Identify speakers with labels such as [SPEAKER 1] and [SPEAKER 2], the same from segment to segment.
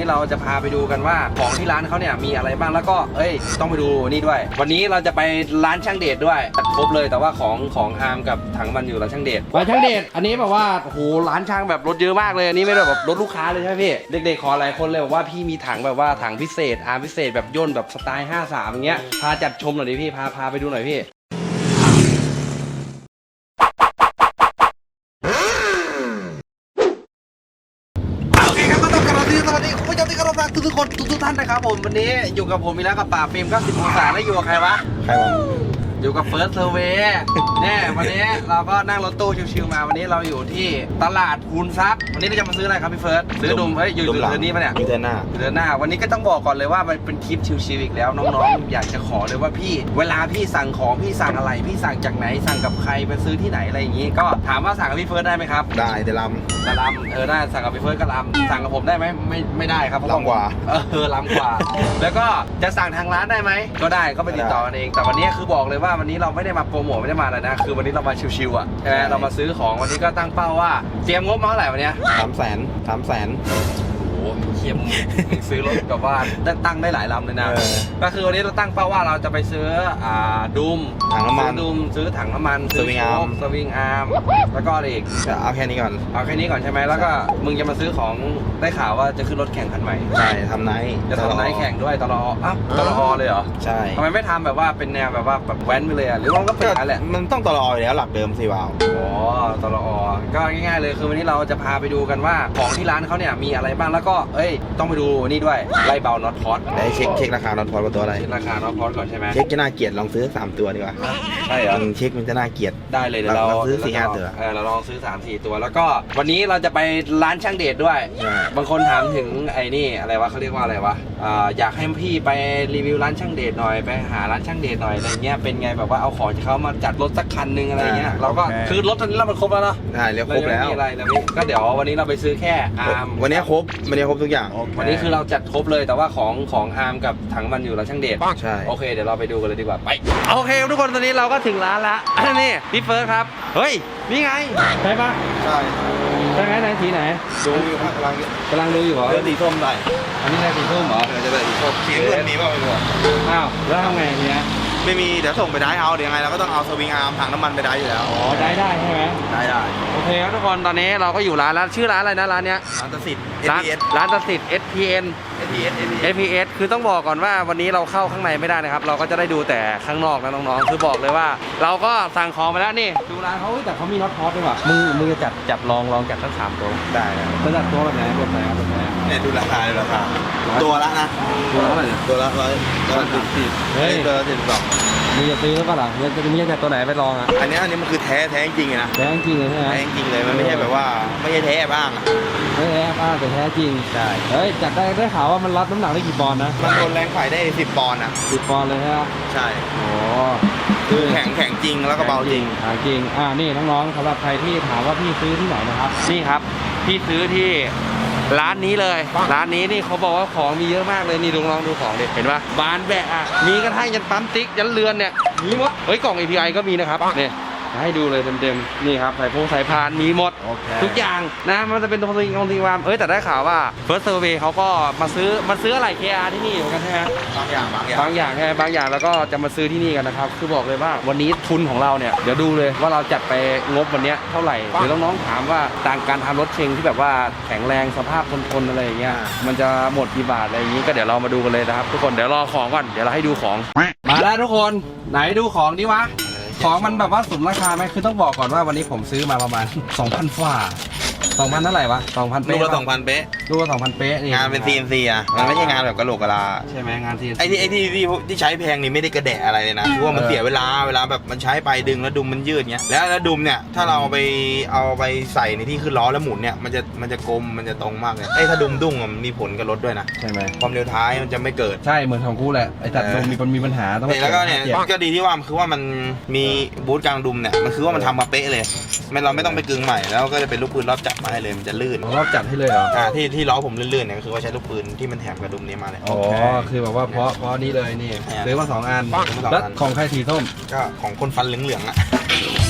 [SPEAKER 1] นี้เราจะพาไปดูกันว่าของที่ร้านเขาเนี่ยมีอะไรบ้างแล้วก็ต้องไปดูนี่ด้วยวันนี้เราจะไปร้านช่างเดชด้วยครบเลยแต่ว่าของอาร์มกับถังมันอยู่ร้านช่างเดชร้านช่างเดชอันนี้แบบว่าโอ้โหร้านช่างแบบรถเยอะมากเลยอันนี้ไม่ได้แบบรถลูกค้าเลยใช่ไหมพี่เด็กๆขอหลายคนเลยบอกว่าพี่มีถังแบบว่าถังพิเศษอาร์มพิเศษแบบย่นแบบสไตล์53อย่างเงี้ยพาจัดชมหน่อยดิพี่พาไปดูหน่อยพี่สวัสดีคุณผู้ชมที่เคารพรักทุกคนทุกท่านนะครับผมวันนี้อยู่กับผมอีกแล้วกับป่าเฟรม90องศาและอยู่กับใครวะอยู่กับเฟิร์สเซอร์เวย์เนี่ยวันนี้เราก็นั่งรถตู้ชิวๆมาวันนี้เราอยู่ที่ตลาดคูนทรัพย์วันนี้เราจะมาซื้ออะไรครับพี่เฟิร์สซื้อดุมอยู่เดือนนี้ปะเนี่ย
[SPEAKER 2] เดือนหน้า
[SPEAKER 1] วันนี้ก็ต้องบอกก่อนเลยว่ามันเป็นคลิปชิวๆอีกแล้วน้องๆอยากจะขอเลยว่าพี่เวลาพี่สั่งของพี่สั่งอะไรพี่สั่งจากไหนสั่งกับใครไปซื้อที่ไหนอะไรอย่างงี้ก็ถามว่าสั่งกับพี่เฟิร์สได้ไหมครับ
[SPEAKER 2] ได้แต่ล
[SPEAKER 1] ำได้สั่งกับพี่เฟิร์สก็ลำสั่งกับผมได้ไหมไม่ได้ครับ
[SPEAKER 2] ลำกว่า
[SPEAKER 1] ลำกว่าแล้วก็จะสั่งทางร้านได้ไหมก็ได้ก็ไปติดต่อกันเองแต่วันนี้คือบอกเลยว่าวันนี้เราไม่ได้มาโปรโมทไม่ได้มาอะไรนะคือวันนี้เรามาชิวๆอ่ะใช่ไหมเรามาซื้อของวันนี้ก็ตั้งเป้าว่าเตรียมงบมาเท่าไหร่วันนี้
[SPEAKER 2] 300,000
[SPEAKER 1] โอ้โหเขียมซื้อรถกับว่าตั้งได้หลายลำเลยนะก็คือวันนี้เราตั้งเป้าว่าเราจะไปซื้อดุม
[SPEAKER 2] ถังน้ำมัน
[SPEAKER 1] ซื้อถังน้ำมัน
[SPEAKER 2] สวิง
[SPEAKER 1] อาร์มแล้วก็อะไรอีก
[SPEAKER 2] เอาแค่นี้ก่อน
[SPEAKER 1] ใช่ไหมแล้วก็มึงจะมาซื้อของได้ข่าวว่าจะขึ้นรถแข่งคันใหม่
[SPEAKER 2] ใช่ทำไนท์
[SPEAKER 1] จะทำไนท์แข่งด้วยตลอเลยเหรอ
[SPEAKER 2] ใช่
[SPEAKER 1] ทำไมไม่ทำแบบว่าเป็นแนวแบบว่าแบบแว้นไปเลยหรือว่าก็เป็นอะไรแหละ
[SPEAKER 2] มันต้องตลออยู่แล้วหลักเดิมสิวาว
[SPEAKER 1] อ๋อตลอก็ง่ายๆเลยคือวันนี้เราจะพาไปดูกันว่าของที่ร้านเขาเนี่ยมีอะไรบ้างแล้วก็ต้องไปดูนี่ด้วยไล่เบาน็อตพอต
[SPEAKER 2] ได้เช็คราคาน็อตพอตว่าตัวอะไร
[SPEAKER 1] เช็คราคาน็อตพอตก่อนใช่ไหม
[SPEAKER 2] เช็คจะน่าเกลียดลองซื้อ3ตัวดีกว่า
[SPEAKER 1] ใช่เหรอ
[SPEAKER 2] เช็คมันจะน่าเกลียด
[SPEAKER 1] ได้เลยเดี๋ยวเรา
[SPEAKER 2] ซื้อ4-5ตัว
[SPEAKER 1] เราลองซื้อ3-4ตัวแล้วก็วันนี้เราจะไปร้านช่างเดชด้วยบางคนถามถึงไอ้นี่อะไรวะเขาเรียกว่าอะไรวะอยากให้พี่ไปรีวิวร้านช่างเดชหน่อยไปหาร้านช่างเดชหน่อยอะไรเงี้ยเป็นไงแบบว่าเอาของเขามาจัดรถสักคันนึงอะไรเงี้ยเราก็คือรถตอนนี้เรามันครบแล้วเนาะ
[SPEAKER 2] ใช่เรียกครบแล้ว
[SPEAKER 1] มีอะไรแล้วพี่ก็เดี๋ยววันนี้เราไปซื้อแค่อาร์ม
[SPEAKER 2] วันนี้ครบทุกอย่าง
[SPEAKER 1] วันนี้คือเราจัดครบเลยแต่ว่าของอาร์มกับถังมันอยู่ร้านช่างเดช
[SPEAKER 2] ใช่
[SPEAKER 1] โอเคเดี๋ยวเราไปดูกันเลยดีกว่าไปโอเคทุกคนตอนนี้เราก็ถึงร้านแล้วนี่พี่เฟิร์สครับเฮ้ยนี่ไงใช่ปะ
[SPEAKER 2] ใช่
[SPEAKER 1] ไหนสีไหน
[SPEAKER 2] ดูอยู่
[SPEAKER 1] กำลังดูอยู่เหรอ
[SPEAKER 2] เลือดสีส้มได้
[SPEAKER 1] อันนี้ได้สีส้มเหรอ
[SPEAKER 2] จะได้สีส้มสีเงินมีป่ะไม่รู้
[SPEAKER 1] อ้าวแล้วทำไงเนี่ย
[SPEAKER 2] ไม่มีเดี๋ยวส่งไปได้เอาเดี๋ยวยังไงเราก็ต้องเอาสวิงอาร์มถังน้ำมันไปได้อยู่แล้ว
[SPEAKER 1] อ๋อได้ใช่ไหม
[SPEAKER 2] ได้
[SPEAKER 1] โอเคครับทุกคนตอนนี้เราก็อยู่ร้านแล้วชื่อร้านอะไรนะร้านเนี้ย
[SPEAKER 2] ร้านตัดสิทธิ์
[SPEAKER 1] ร้านตัดสิทธิ์ SPS คือต้องบอกก่อนว่าวันนี้เราเข้าข้างในไม่ได้นะครับเราก็จะได้ดูแต่ข้างนอกนะน้องๆคือบอกเลยว่าเราก็สั่งของไปแล้วนี่ดูร้านเขาแต่เขามีน็อตพอตด้วยว่ะมึงจะจับลองจัดทั้ง3ตัว
[SPEAKER 2] ได้
[SPEAKER 1] จะจัดตัวแบบไหน
[SPEAKER 2] เนี่ยดูราคาตัวละนะ
[SPEAKER 1] ตัวละเท่าไหร่
[SPEAKER 2] ตัวละ140เฮ้ยตัวละ72
[SPEAKER 1] มึงจะซื้อหรือเปล่าล่ะมึงจะจัดตัวไหนไปลองอ่ะ
[SPEAKER 2] อันนี้มันคือแท้จริงนะ
[SPEAKER 1] แท้จริงเลยใช่ไหม
[SPEAKER 2] แท้จริงเลยมันไม่ใช่แบบว่าไม่ใช่แท้บ้าง
[SPEAKER 1] ไม่แท้บ้างแต่แท้จริง
[SPEAKER 2] ใช่
[SPEAKER 1] จัดได้ข่าวว่ามันรับน้ำหนักได้กี่ปอนด์นะ
[SPEAKER 2] มันทนแรงไฟได้10 ปอนด์อ่ะ
[SPEAKER 1] 10 ปอนด์เลยใช่ไหม
[SPEAKER 2] ใช่
[SPEAKER 1] โอ้
[SPEAKER 2] คือแข็งจริงแล้วก็เบาจริง
[SPEAKER 1] จริงนี่น้องๆสำหรับใครที่ถามว่าพี่ซื้อที่ไหนนะครับนี่ครับพี่ซื้อที่ร้านนี้เลยร้านนี้นี่เขาบอกว่าของมีเยอะมากเลยนี่ลองดูของดิเห็นปะบานแบะมีกระทั่งยันปั๊มติ๊กยันเรือนเนี่ยมีหมดกล่อง API ก็มีนะครับเนี่ยให้ดูเลยเต็มๆนี่ครับสายพานมีหมดทุกอย่างนะมันจะเป็นตรงทีวามแต่ได้ข่าวว่า First Survey เขาก็มาซื้ออะไร KR ที่นี่เหมือนกันใช่ไหม
[SPEAKER 2] บางอย่าง
[SPEAKER 1] ใช่บางอย่างแล้วก็จะมาซื้อที่นี่กันนะครับคือบอกเลยว่าวันนี้ทุนของเราเนี่ยเดี๋ยวดูเลยว่าเราจัดไปงบวันนี้เท่าไหร่เดี๋ยวน้องๆถามว่าต่างการทำรถเชงที่แบบว่าแข็งแรงสภาพทนอะไรอย่างเงี้ยมันจะหมดกี่บาทอะไรอย่างงี้ก็เดี๋ยวเรามาดูกันเลยนะครับทุกคนเดี๋ยวรอของก่อนเดี๋ยวเราให้ดูของมาแล้วทุกคนไหนดูของดิวะของมันแบบว่าสมราคาไหมคือต้องบอกก่อนว่าวันนี้ผมซื้อมาประมาณ 2,000 ฝ่า 2,000เท่าไหร่วะ 2,000 เป๊ะ
[SPEAKER 2] ลูกละ 2,000 เป๊ะ
[SPEAKER 1] ลูกละ 2,000 เป๊ะนี่
[SPEAKER 2] งานเป็น CNC มันไม่ใช่งานแบบกระโหลกกะลา
[SPEAKER 1] ใช่ไหมงาน CNC
[SPEAKER 2] ไอ้ที่ใช้แพงนี่ไม่ได้กระแดะอะไรเลยนะคือว่ามันเสียเวลาแบบมันใช้ไปดึงแล้วดุมมันยืดเงี้ยแล้วดุมเนี่ยถ้าเราเอาไปใส่ในที่ขึ้นล้อแล้วหมุนเนี่ยมันจะกลมมันจะตรงมากเลยถ้าดุมดุ้งมันมีผลกับรถด้วยนะ
[SPEAKER 1] ใช่ไหม
[SPEAKER 2] ความเร็วท้ายมันจะไม่เกิด
[SPEAKER 1] ใช่เหมือนของกูแหละไอ้ตัดดุมมีปัญหาต้อง
[SPEAKER 2] แล้วก็เนี่ยก็ดีที่ว่าคือว่ามันมีบูทกลางดุมเนี่ยมันคือว่ามันทำมาเป๊ะเลยเราไม่ต้องไปกึ่งใหม่แล้วก็จะเป็นลูกปืนรอบจับมาให้เลยมันจะลื่น
[SPEAKER 1] รอบจัดให้เลยเหรอ
[SPEAKER 2] ที่ล้อผมลื่นๆเนี่ยก็คือว่าใช้ลูกปืนที่มันแถมกระดุมนี้มาเลย
[SPEAKER 1] อ๋อคือแบบว่าเพราะนี้เลยนี่ซื้อมา2 อันแล้วของใครสีส้ม
[SPEAKER 2] ก็ของคนฟันเหลืองๆอ่ะ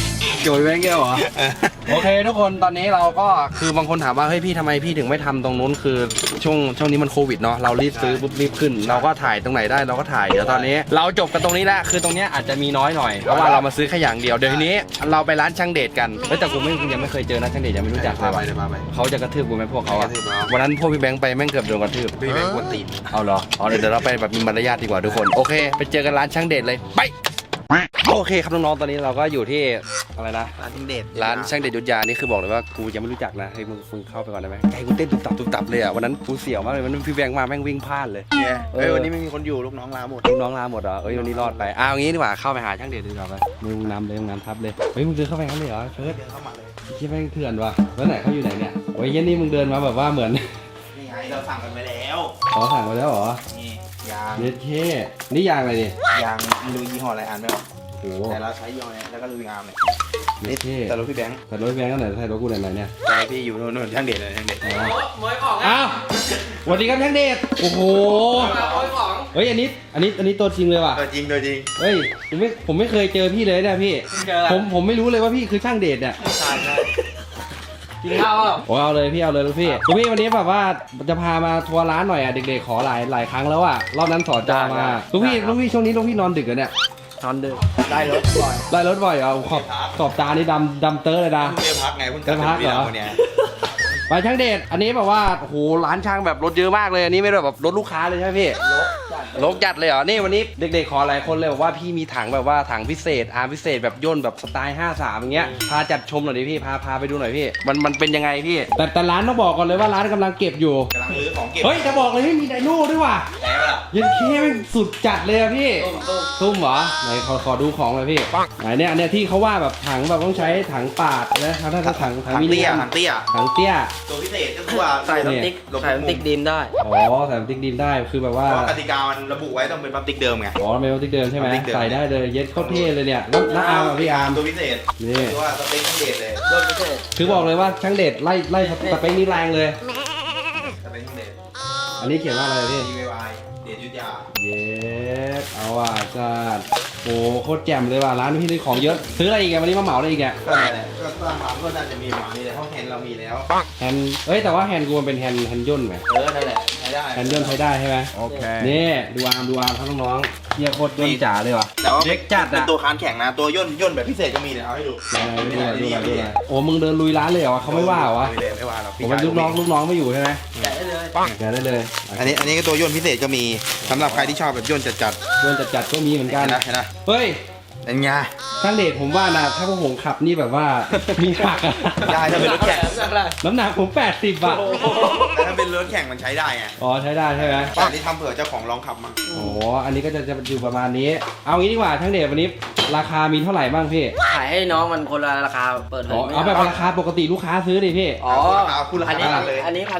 [SPEAKER 1] โจยแม่งแก้วเหรอ โอเคทุกคนตอนนี้เราก็คือบางคนถามว่าเฮ้ยพี่ทำไมพี่ถึงไม่ทำตรงนู้นคือช่วงนี้มันโควิดเนาะเรารีบซื้อปุ๊บรีบขึ้น เราก็ถ่ายตรงไหนได้เราก็ถ่ายเดี๋ยวตอนนี้ เราจบกันตรงนี้แล้วคือตรงเนี้ยอาจจะมีน้อยหน่อยเพราะว่าเรามาซื้อแค่อย่างเดียวเดี๋ยวทีนี้เราไปร้านช่างเดชกันเฮ้ยแต่กูยังไม่เคยเจอนะช่างเดชยังไม่รู้จักเลย
[SPEAKER 2] ไป
[SPEAKER 1] ว่ะ
[SPEAKER 2] เลยมาไป
[SPEAKER 1] เขาจะกระทืบกูไหมพวกเขาอะ
[SPEAKER 2] กระทืบเรา
[SPEAKER 1] วันนั้นพวกพี่แบงค์ไปแม่งเกือบโดนกระทืบ
[SPEAKER 2] พี่แม่งกวนตีน
[SPEAKER 1] เอาเหรอเดี๋ยวเราไปแบบมีมารยาทดีกว่าทุกคนโอเคไปเจอกันร้านช่างเดชเลยไปโอเคครับน้องๆตอนนี้เราก็อยู่ที่อะไรนะ
[SPEAKER 2] ร้านทิ้งเด็ด
[SPEAKER 1] ร้านช่างเด็ดยุทธยานี่คือบอกเลยว่ากูยังไม่รู้จักนะเฮ้ยมึงเข้าไปก่อนได้ไหมใจกูเต้นตุบตับเลยอ่ะวันนั้นกูเสียวมากเลยวันนั้นพี่แบงค์มาแม่งวิ่งพลาดเลย
[SPEAKER 2] เนี่ยเฮ้ยวันนี้ไม่มีคนอยู่ลูกน้องลาหมด
[SPEAKER 1] ลูกน้องลาหมดเหรอเอ้ยวันนี้รอดไปเอางี้ดีกว่าเข้าไปหาช่างเด็ดดีกว่าไปมึงนำเลยมึงนำทับเลยเฮ้ยมึงเดินเข้าไปงั้นเลยเหรอเฟิร์ส
[SPEAKER 2] เดินเข้ามาเลย
[SPEAKER 1] ที่แม่งเถื่อนว่ะแล้วไหนเขาอยู่ไหนเนี่ยโอ้ยเย็นนี่มึงเดินมาแบบว่าเหมือน
[SPEAKER 2] นี่ไงเราสั่งกันไปแล้ว
[SPEAKER 1] ขอสั่งมาแล้วเหรอ
[SPEAKER 2] นี่ยาง
[SPEAKER 1] เย็ดเท่นี่ยางอะไรดิ
[SPEAKER 2] ยางไม่รู้ยี่ห้ออะไรอ่านไม่ออก
[SPEAKER 1] โอ้โห
[SPEAKER 2] แต่เราใช้ยี่ห้อนี้แล้วก็ลุยงามเลย
[SPEAKER 1] เย็ดเท่
[SPEAKER 2] แต่รถพี่แบงค์
[SPEAKER 1] แต่รถแบงค์ก็ไหนใส่รถกูไหนเนี่ย
[SPEAKER 2] แต่พี่อยู่นู่นช่างเด็ดเลยช่างเด็ด
[SPEAKER 1] อ้าวสวัสดีครับช่างเดชโอ้โหเฮ้ยอันนี้ตัวจริงเลยว่ะ
[SPEAKER 2] ตัวจริงตัวจริง
[SPEAKER 1] เฮ้ยผมไม่เคยเจอพี่เลยเนี่ยพี่ผมไม่รู้เลยว่าพี่คือช่างเดชเนี่ย
[SPEAKER 3] กินข้าวเปล่า
[SPEAKER 1] โอ้เอาเลยพี่เอาเลยลูกพี่วันนี้แบบว่าจะพามาทัวร์ร้านหน่อยอ่ะเด็กๆขอหลายครั้งแล้วอ่ะรอบนั้นสอนจอมาลูกพี่ช่วงนี้ลูกพี่นอนดึกเหรอเนี่ย
[SPEAKER 3] นอนดึกได้รถบ่อย
[SPEAKER 1] ได้รถบ่อยเหรอขอบตานี่ดำเตอร์เลยนะ
[SPEAKER 2] เพิ่งได้พักไงเพิ่งกลับ
[SPEAKER 1] ได้พักเหรอ
[SPEAKER 2] จากบุรีรัมย์วันเนี้ย
[SPEAKER 1] ไปช่างเดชอันนี้แบบว่าโอ้โหร้านช่างแบบรถเยอะมากเลยอันนี้ไม่ได้แบบรถลูกค้าเลยใช่ไหมพี่รถจัดเลยเหรอนี่วันนี้เด็กๆขอหลายคนเลยบอกว่าพี่มีถังแบบว่าถังพิเศษอาร์พิเศษแบบย่นแบบสไตล์53อย่างเงี้ยพาจัดชมหน่อยดิพี่พาไปดูหน่อยพี่มันเป็นยังไงพี่แต่ร้านต้องบอกก่อนเลยว่าร้านกำลังเก็บอยู่
[SPEAKER 2] กำลังรื้อของเก็บ
[SPEAKER 1] เฮ้ยจะบอกเลยไม่มีไดโน่ด้วยว่ะ
[SPEAKER 2] แล้วล่ะ
[SPEAKER 1] ยันเคแม่งสุดจัดเลยอะพี่ตุ้มเหรอไหนขอดูของเลยพี่ไหนเนี่ยที่เขาว่าแบบถังแบบต้องใช้ถังปาดนะถ้าถัง
[SPEAKER 2] ถัง
[SPEAKER 1] มินิ
[SPEAKER 2] เตี้ย
[SPEAKER 1] ม
[SPEAKER 2] ถังเตี้ย
[SPEAKER 1] ถังเตี้ย
[SPEAKER 2] ตัวพิเศษก็คือว่า
[SPEAKER 3] ใส่พลาสติกใส่พลาสติกดีมได้
[SPEAKER 1] อ๋อใส่พลาสติกดินได้คือแบบว่า
[SPEAKER 2] เพราะกติกามันระบุไว้ต้องเป็นพลาสติกเดิมไง
[SPEAKER 1] อ๋อเป็นพลาสติกเดิมใช่ไหม
[SPEAKER 2] พลาสติกเดิม
[SPEAKER 1] ใส่ได้เลยเย็ดโคตรเท่เลยเนี่ยแล้วอาร์มอะพี่อาร์ม
[SPEAKER 2] ตัวพิเศษ
[SPEAKER 1] นี่
[SPEAKER 2] คือว่าสเปคช่างเด็ดเลย
[SPEAKER 3] รถพิเศษ
[SPEAKER 1] คือบอกเลยว่าช่างเด็ดไล่สเปคนี้แรงเลย
[SPEAKER 2] สเปคช่างเด็ด
[SPEAKER 1] อันนี้เขียนว่าอะไรพี่
[SPEAKER 2] DIY เด็ดยุทธยา
[SPEAKER 1] เย็ดเอาว่ะจัดโอ้โคตรแจ่มเลยว่ะร้านพี่นี่ของเยอะซื้ออะไรอีกอะวันนี้มาเหมาอะไรอีกอะ
[SPEAKER 2] ก็นั่นแหละก็สร้างมาก็น่าจะมีประมาณนี้แหละเพราะแฮนด์เรามีแล้ว
[SPEAKER 1] แฮนด์แต่ว่าแฮนด์กูมันเป็นแฮนด์ย่นไหม
[SPEAKER 2] นั่นแหละใช้ได้
[SPEAKER 1] แฮนด์ย่นใช้ได้ใช่ไหมโอเคนี่ดูอาร์มทั้งน้องๆเฮียโคตรย่นจ๋าเลยว่ะ
[SPEAKER 2] แต่ว่า
[SPEAKER 1] เด็กจัด
[SPEAKER 2] เป็น
[SPEAKER 1] อะ
[SPEAKER 2] ตัวคานแข็งนะตัวย่นแบบพิเศษก็มีเดี๋ยวเอาให้ดู
[SPEAKER 1] ดูอะไรโอ้มึงเดินลุยร้านเลยเหรอเขาไม่ว่าเหรอวะ
[SPEAKER 2] ไม่ว่าหรอก
[SPEAKER 1] ผมเป็นลูกน้องไม่อยู่ใช่ไหม
[SPEAKER 3] แกะได้เลย
[SPEAKER 1] แกได้เลย
[SPEAKER 2] อันนี้ก็ตัวย่นพิเศษก็มีสำหรับใครที่ชอบแบบย่นจัด
[SPEAKER 1] ย่นจัดก็มีเหมือน
[SPEAKER 2] ๆ
[SPEAKER 1] กัน
[SPEAKER 2] นะเห็นไหม
[SPEAKER 1] เฮ้ย
[SPEAKER 2] เป็นไง
[SPEAKER 1] ช่างเดชผมว่านะถ้าพวกผมขับนี่แบบว่า มีหักอะ
[SPEAKER 2] ได้ถ้าเป็นรถแข่ง
[SPEAKER 1] น้ำหนักผม80อะ
[SPEAKER 2] ถ้าเป็นรถแข่งมันใช้ได้ไง
[SPEAKER 1] อ๋อใช้ได้ใช่ไหม
[SPEAKER 2] แต่อันนี้ทำเผื่อเจ้าของลองขับมา
[SPEAKER 1] โอ้อันนี้ก็จะอยู่ประมาณนี้ เอางี้ดีกว่าช่างเดชวันนี้ราคามีเท่าไหร่บ้างพี่
[SPEAKER 3] ขายให้น้องมันคนละราคาเปิดเผ
[SPEAKER 1] อ๋อย
[SPEAKER 3] ไม่
[SPEAKER 1] เอาแบบ
[SPEAKER 3] ได้
[SPEAKER 1] ราคาปกติลูกค้าซื้อดิพี่
[SPEAKER 3] อ๋อ
[SPEAKER 2] คุณรา
[SPEAKER 3] อันนี้
[SPEAKER 2] คาเลย
[SPEAKER 3] อันนี้1,300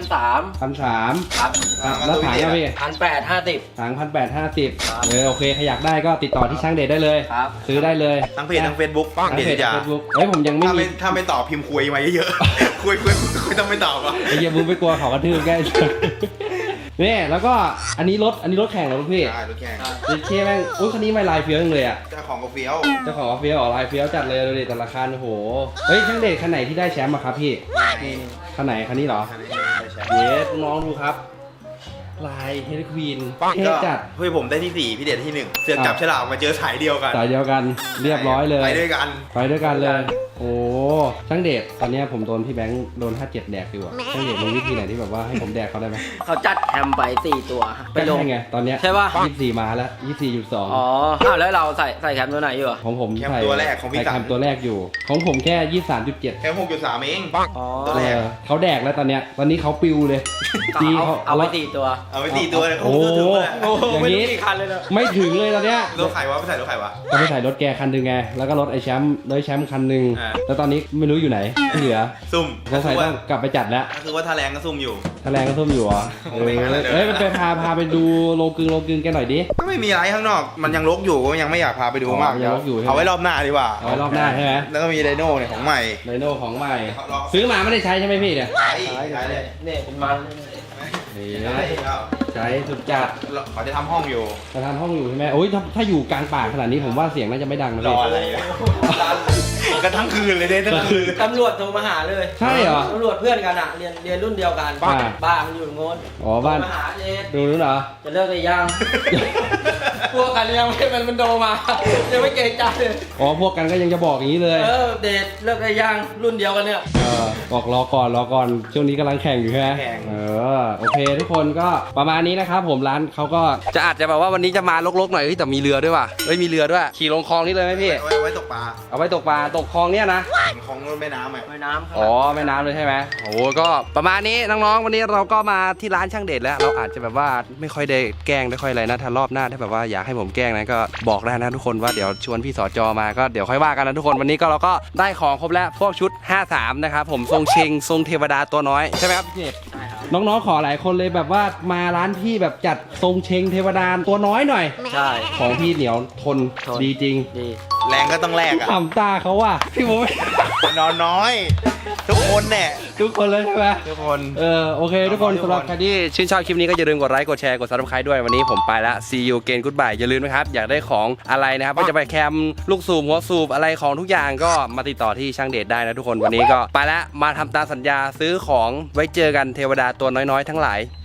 [SPEAKER 1] 1,300
[SPEAKER 3] ครับ
[SPEAKER 1] แล้วถังอะพี่
[SPEAKER 3] 1,850
[SPEAKER 1] ถัง1,850โอเคใครอยากได้ก็ติดต่อที่ช่างเดชได้เลย
[SPEAKER 3] ครับ
[SPEAKER 1] ซื้อได้เลย
[SPEAKER 2] ทั้งเพจทั้งเฟซบุ๊ก
[SPEAKER 1] ทั้ง
[SPEAKER 2] เด็ด
[SPEAKER 1] เพจ
[SPEAKER 2] ยา
[SPEAKER 1] เฟซบุ๊กเฮ้ยผมยังไม่
[SPEAKER 2] ถ้า
[SPEAKER 1] มี
[SPEAKER 2] ไม่ตอบพิมพ์คุยมาเยอะๆ คุยต้องไม่ตอบอ่ะ
[SPEAKER 1] ไอ้เหี้ยมึงไม่กลัวเขากระทืบแก นี่แล้วก็อันนี้รถแข่งเหรอลูกพี่
[SPEAKER 2] ได้รถแข่ง
[SPEAKER 1] เด็กเท่แม่งอุ้ยคันนี้ไม่ลายเฟี้ยวจังเลยอ่ะ
[SPEAKER 2] เจ้าของก็เฟี้ยว
[SPEAKER 1] เจ้าของเฟี้ยวลายเฟี้ยวจัดเลยดูดิแต่ละคันโอ้โหเฮ้ยช่างเดชคันไหนที่ได้แชมป์อะครับพี่คันไหนคันนี้เหรอเยสน้องดูครับลายเฮลิควีนเท่
[SPEAKER 2] ก็
[SPEAKER 1] จัด
[SPEAKER 2] เฮ้ยผมได้ที่ 4 พี่เด็ดที่ 1 เสือกจับฉลากมาเจอสายเดียวกัน
[SPEAKER 1] สายเดียวกันเรียบร้อยเลย
[SPEAKER 2] ไปด้วยกัน
[SPEAKER 1] ไปด้วยกันเลย โอ้ช่างเดชตอนเนี้ยผมโดนพี่แบงค์โดน57แดกอยู่อะช่างเดชมีวิธีไหนที่แบบว่าให้ผมแดกเขาได้ไหม
[SPEAKER 3] เขาจัดแฮมไป4ตัวไปลง
[SPEAKER 1] ใช่ไงตอนเนี้ย
[SPEAKER 3] ใช่ป่ะ
[SPEAKER 1] 24มาแล้ว 24.2
[SPEAKER 3] อ๋ออ้าวแล้วเราใส่แคมตัวไหนอยู่อ่ะ
[SPEAKER 1] ของผม
[SPEAKER 2] แคม
[SPEAKER 1] ใส่
[SPEAKER 2] ตัวแรกของพี่
[SPEAKER 1] ใส่
[SPEAKER 2] สัน
[SPEAKER 1] แคมตัวแรกอยู่ ของผมแค่ 23.7
[SPEAKER 2] แค่ 6.3 เอง
[SPEAKER 3] อ๋อ
[SPEAKER 2] ตัวแรก
[SPEAKER 1] เขาแดกแล้วตอนเนี้ยตอนนี้เขาปิวเลย จี
[SPEAKER 3] เอาไป4ตัว
[SPEAKER 2] เอาไปตีตัวเลย
[SPEAKER 1] โอ้
[SPEAKER 2] เขาถือว่า
[SPEAKER 3] โอ้โห
[SPEAKER 1] อย่าง
[SPEAKER 3] ไม่
[SPEAKER 1] นี้
[SPEAKER 3] รู้กี่คันเลยเนอะ
[SPEAKER 1] ไม่ถึงเลยตอนเนี้ย
[SPEAKER 2] รถใครวะไปใส่รถใครวะ
[SPEAKER 1] ก็ไปใส่รถแกคันหนึ่งไงแล้วก็รถไอ้แชมป์เลยแชมป์คันหนึ่ง
[SPEAKER 2] อ่า
[SPEAKER 1] แล้วตอนนี้ไม่รู้อยู่ไหนที่เหลือ
[SPEAKER 2] ซุ่ม
[SPEAKER 1] สงสัยต้องกลับไปจัดแล้ว
[SPEAKER 2] ก็คือว่าถ้าแรงก็ซุ่มอยู่
[SPEAKER 1] ทะแรงก็ส้มอยู่เหรอ
[SPEAKER 2] คงไม่งั้นเลย
[SPEAKER 1] เอ้ยมันไปพาไปดูโลกึงแกหน่อยดิ
[SPEAKER 2] ก็ไม่มีอะไรข้างนอก มันยังรกอยู่ก็ยังไม่อยากพาไปดูมาก
[SPEAKER 1] อ๋อยังรกอยู่ใช่ไหม
[SPEAKER 2] เอาไว้รอบหน้าดีกว่า
[SPEAKER 1] เอาไว้รอบหน้าใช่ไหม
[SPEAKER 2] แล้วก็มีไดโน่เนี่ยของใหม่
[SPEAKER 1] ไดโน่ของใหม่
[SPEAKER 2] รอบ
[SPEAKER 1] ซื้อมาไม่ได้ใช้ใช่ไหมพี่เนี่ย
[SPEAKER 2] ใช้เลย
[SPEAKER 3] เนี่ยเป็นมัน
[SPEAKER 1] นี่
[SPEAKER 2] ใช้แล้ว
[SPEAKER 1] ใจสุดจัด
[SPEAKER 2] เขาจะทำห้องอยู่
[SPEAKER 1] จะทำห้องอยู่ใช่ไหมโอ้ยถ้าอยู่กลางป่าขนาดนี้ผมว่าเสียงน่าจะไม่ดังนะ
[SPEAKER 2] ร
[SPEAKER 1] พี่
[SPEAKER 2] ออะไรกันทั้งคืนเลยเนี่ยทั้งคืน
[SPEAKER 3] ตำรวจโทรมาหาเลย
[SPEAKER 1] ใช่เหรอ
[SPEAKER 3] ตำรวจเพื่อนกันอ่ะเรียนรุ่นเดียวกัน
[SPEAKER 1] อ่า
[SPEAKER 3] บ้านมันอยู่โน้น
[SPEAKER 1] อ๋อบ้าน
[SPEAKER 3] โทรมาหาเจน
[SPEAKER 1] ดูนู้นเหรอ
[SPEAKER 3] จะเลิกได้ยัง พวกกันยังไม่มันโดมายังไม่เกรงใจเลย
[SPEAKER 1] อ๋อพวกกันก็ยังจะบอกอย่างนี้เลย
[SPEAKER 3] เดทเลิกได้ยังรุ่นเดียวกันเนี่ย
[SPEAKER 1] บอกรอก่อนช่วงนี้กำลังแข่งอยู่ใช่ไหม
[SPEAKER 2] แข่ง
[SPEAKER 1] โอเคทุกคนก็ประมาณนี้นะครับผมร้านเขาก็จะอาจจะแบบว่าวันนี้จะมาลกๆหน่อยเฮ้ยแต่มีเรือด้วยว่ะเฮ้ยมีเรือด้วยขี่ลงคลองนี่เลยไหมพี่
[SPEAKER 2] ไว้ตกปลา
[SPEAKER 1] เอาไปตกปลาตกคลองเนี่ยนะ
[SPEAKER 2] ของแม่น้ำอ่ะ
[SPEAKER 3] แม่น้ำครับ
[SPEAKER 1] อ๋อแม่น้ำเลยใช่ไหมโอ้โหก็ประมาณนี้น้องๆวันนี้เราก็มาที่ร้านช่างเด็ดแล้วเราอาจจะแบบว่าไม่ค่อยได้แกล้งไม่ค่อยอะไรนะถ้ารอบหน้าถ้าแบบว่าอยากให้ผมแกล้งนะก็บอกได้นะทุกคนว่าเดี๋ยวชวนพี่สจมาก็เดี๋ยวค่อยว่ากันนะทุกคนวันนี้ก็เราก็ได้ของครบแล้วพวกชุด 53 นะครับผมทรงเชงทรงเทวดาตัวน้อยใช่ไหมครับพี่
[SPEAKER 3] ใช่ครับ
[SPEAKER 1] น้องๆขอหลายคนเลยแบบว่ามาร้านพี่แบบจัดทรงเชงเทวดาตัวน้อยหน่อย
[SPEAKER 3] ใช่
[SPEAKER 1] ของพี่เหนียวทน
[SPEAKER 3] ทน
[SPEAKER 1] ดีจริง
[SPEAKER 3] ดี
[SPEAKER 2] แรงก็ต้องแลกอ่ะ
[SPEAKER 1] ทำตาเขาว่ะพี่ผม
[SPEAKER 2] นอนน้อย ทุกคนเนี่ย
[SPEAKER 1] ทุกคนเลยใช่ไหม
[SPEAKER 2] ทุกคน
[SPEAKER 1] โอเคทุกคน
[SPEAKER 2] ทุกคน
[SPEAKER 1] สำหรับใครที่ชื่นชอบคลิปนี้ก็อย่าลืมกดไลค์กดแชร์กด Subscribe ด้วยวันนี้ผมไปละ See you again goodbye อย่าลืมนะครับอยากได้ของอะไรนะครับว่าจะไปแคมลูกสูบหัวสูบอะไรของทุกอย่างก็มาติดต่อที่ช่างเดชได้นะทุกคนวันนี้ก็ไปละมาทำตามสัญญาซื้อของไว้เจอกันเทวดาตัวน้อยๆทั้งหลาย